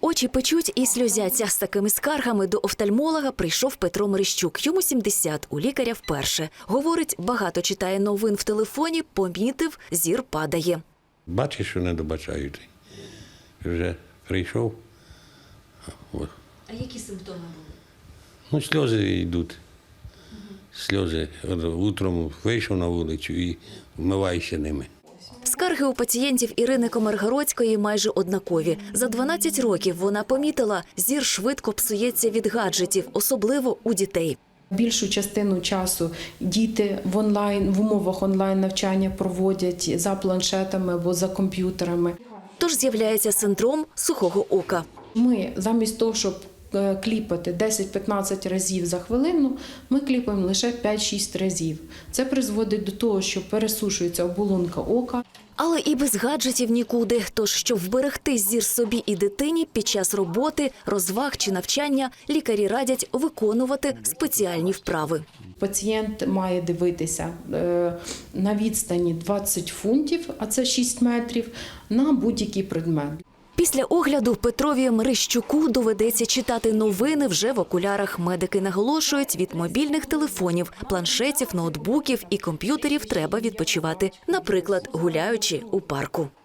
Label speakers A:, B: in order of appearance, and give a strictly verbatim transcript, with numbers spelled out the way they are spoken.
A: Очі печуть і сльозяться. З такими скаргами до офтальмолога прийшов Петро Мерещук. Йому сімдесят, у лікаря вперше. Говорить, багато читає новин в телефоні, помітив, зір падає.
B: Бачиш, що не добачають. Вже прийшов. От.
A: А які симптоми були?
B: Ну, сльози йдуть. Сльози. От утром вийшов на вулицю і вмиваюся ними.
A: Скарги у пацієнтів Ірини Комаргородської майже однакові. За дванадцять років вона помітила, зір швидко псується від гаджетів, особливо у дітей.
C: Більшу частину часу діти в онлайн, в умовах онлайн-навчання проводять за планшетами або за комп'ютерами.
A: Тож з'являється синдром сухого ока.
C: Ми замість того, щоб кліпати десять-п'ятнадцять разів за хвилину, ми кліпаємо лише п'ять-шість разів. Це призводить до того, що пересушується оболонка ока.
A: Але і без гаджетів нікуди. Тож, щоб вберегти зір собі і дитині під час роботи, розваг чи навчання, лікарі радять виконувати спеціальні вправи.
C: Пацієнт має дивитися на відстані двадцять фунтів, а це шість метрів, на будь-який предмет.
A: Після огляду Петрові Мерещуку доведеться читати новини вже в окулярах. Медики наголошують, від мобільних телефонів, планшетів, ноутбуків і комп'ютерів треба відпочивати, наприклад, гуляючи у парку.